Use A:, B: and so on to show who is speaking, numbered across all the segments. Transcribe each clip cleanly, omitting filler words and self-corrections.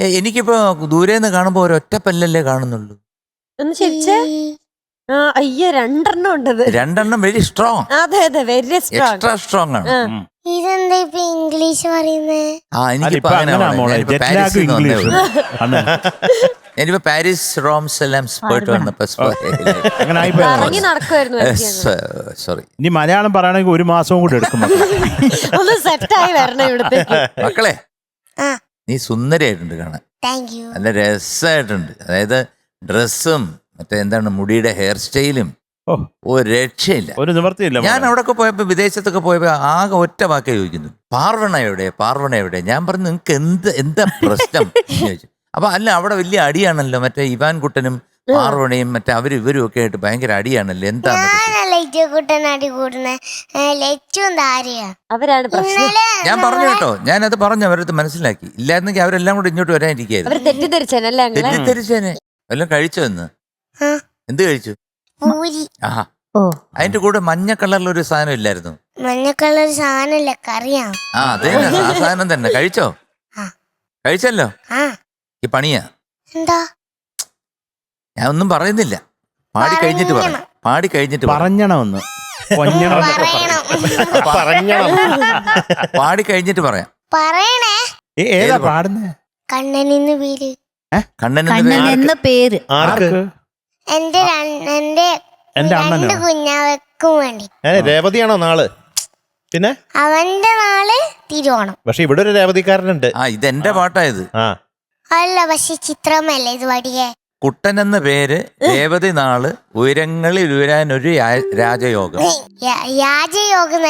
A: എനിക്കിപ്പോ ദൂരേന്ന് കാണുമ്പോ ഒരൊറ്റ പല്ലല്ലേ കാണുന്നുള്ളൂ.
B: ഒന്ന് ചിരിച്ചേ. അയ്യോ, 2 എണ്ണം ഉണ്ടത്.
A: 2 എണ്ണം വെരി സ്ട്രോങ്.
B: അതെ അതെ, വെരി സ്ട്രോങ്,
A: എക്സ്ട്രാ സ്ട്രോങ് ആണ്.
C: ഇതെന്താ ഇപ്പൊ ഇംഗ്ലീഷ് പറയുന്നേ?
A: എനിക്കിപ്പോ ഞാനിപ്പോ പാരീസ് റോം സെലംസ് പോയിട്ട് വന്നപ്പോ സോറി.
D: ഇനി മലയാളം പറയണമെങ്കിൽ 1 മാസവും കൂടി എടുക്കും.
B: ഒന്ന് സെറ്റായി വരണം ഇവിടത്തേക്ക്.
A: മക്കളെ, നീ സുന്ദരിയായിട്ടുണ്ട് കാണാൻ. നല്ല രസമായിട്ടുണ്ട്. അതായത് ഡ്രസ്സും മറ്റേ എന്താണ് മുടിയുടെ ഹെയർ സ്റ്റൈലും ഒരു രക്ഷയില്ല, ഒരു നിവർത്തിയില്ല. ഞാൻ അവിടെയൊക്കെ പോയപ്പോ, വിദേശത്തൊക്കെ പോയപ്പോ ആകെ ഒറ്റ വാക്കേ ചോദിക്കുന്നു, പാർവണ എവിടെ, പാർവണ എവിടെ. ഞാൻ പറഞ്ഞു നിങ്ങൾക്ക് എന്താ പ്രശ്നം ചോദിച്ചു. അപ്പൊ അല്ല, അവിടെ വലിയ അടിയാണല്ലോ, മറ്റേ ഇവാൻ കുട്ടനും പാർവണയും മറ്റേ ഇവരും ഒക്കെ ആയിട്ട് ഭയങ്കര അടിയാണല്ലോ. എന്താണ്
B: അവരാണ് പ്രശ്നം.
A: ഞാൻ പറഞ്ഞു കേട്ടോ, ഞാനത് പറഞ്ഞു, അവരത് മനസ്സിലാക്കി. ഇല്ലായിരുന്നെങ്കിൽ അവരെല്ലാം കൂടെ ഇങ്ങോട്ട് വരാനിരിക്കായിരുന്നു. തെറ്റിദ്ധരിച്ചേനെ. വല്ലതും കഴിച്ചോ ഇന്ന്? എന്ത് കഴിച്ചു? അതിന്റെ കൂടെ മഞ്ഞ കളറിലൊരു സാധനം ഇല്ലായിരുന്നു?
C: മഞ്ഞ കളർ സാധനല്ല, കറിയാ.
A: അതെ, ആ സാധനം തന്നെ കഴിച്ചോ? കഴിച്ചല്ലോ. ഈ പണിയാ.
C: എന്താ?
A: ഞാൻ ഒന്നും പറയുന്നില്ല, പാടി കഴിഞ്ഞിട്ട് പറയാം. പാടി കഴിഞ്ഞിട്ട്
D: പറഞ്ഞണമെന്ന്
A: പാടി കഴിഞ്ഞിട്ട് പറയാം.
C: പറയണേ.
D: ഏതാ പാടുന്നേ?
C: കണ്ണനെന്ന് പേര്.
A: കണ്ണനെന്ന പേര്
C: എന്റെ 2 കുഞ്ഞാവക്കും വേണ്ടി.
E: രേവതിയാണോ നാള്? പിന്നെ
C: അവന്റെ നാള് തിരുവോണം.
E: പക്ഷെ ഇവിടെ ഒരു രേവതിക്കാരനുണ്ട്.
A: ഇതെന്റെ പാട്ടായത്.
C: അല്ല, പക്ഷെ ചിത്രമല്ലേ ഇത് വടിയേ.
A: കുട്ടൻ എന്ന പേര്, രേവതി നാള്, ഉയരങ്ങളിൽ ഉയരാനൊരു രാജയോഗം.
C: രാജയോഗം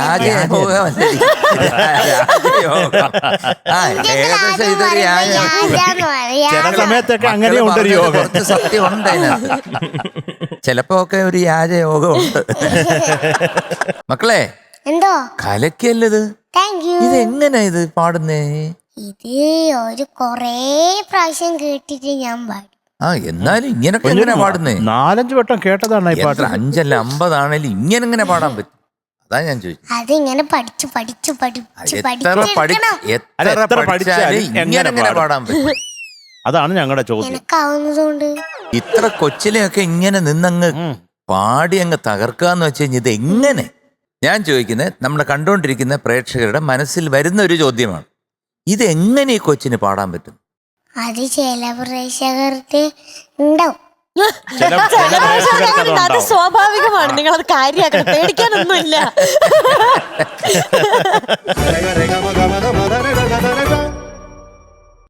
A: കുറച്ച് സത്യം ഉണ്ട് അതിനകത്ത്. ചിലപ്പോ ഒക്കെ ഒരു രാജയോഗം ഉണ്ട്. മക്കളെ,
C: എന്തോ
A: കലക്കല്ലത്. ഇതെങ്ങനാ ഇത് പാടുന്നേ?
C: ഇത് ഒരു കൊറേ പ്രാവശ്യം കേട്ടിട്ട് ഞാൻ പാടും.
A: എന്നാലും ഇങ്ങനൊക്കെ എങ്ങനെ പാടുന്നേ?
D: 4-5 വട്ടം കേട്ടതാണ് ഈ പാട്ട്.
A: 5 അല്ല 50 ആണേലും ഇങ്ങനെ പാടാൻ പറ്റും? അതാ ഞാൻ ചോദിച്ചു.
C: അതിങ്ങനെ പഠിച്ചാലും
A: ഇങ്ങനെ പാടാൻ പറ്റും?
D: അതാണ് ഞങ്ങളുടെ ചോദ്യം.
A: ഇത്ര കൊച്ചിലെയൊക്കെ ഇങ്ങനെ നിന്നങ്ങ് പാടി അങ്ങ് തകർക്കാന്ന് വെച്ച് കഴിഞ്ഞാൽ ഇത് എങ്ങനെ? ഞാൻ ചോദിക്കുന്നത് നമ്മളെ കണ്ടുകൊണ്ടിരിക്കുന്ന പ്രേക്ഷകരുടെ മനസ്സിൽ വരുന്ന ഒരു ചോദ്യമാണ്. ഇതെങ്ങനെ ഈ കൊച്ചിന് പാടാൻ പറ്റും?
C: അത് ചില പ്രേക്ഷകർക്ക് ഉണ്ടാവും.
B: അത് സ്വാഭാവികമാണ്. നിങ്ങളത് കാര്യമാക്കണം, പേടിക്കാനൊന്നുമില്ല.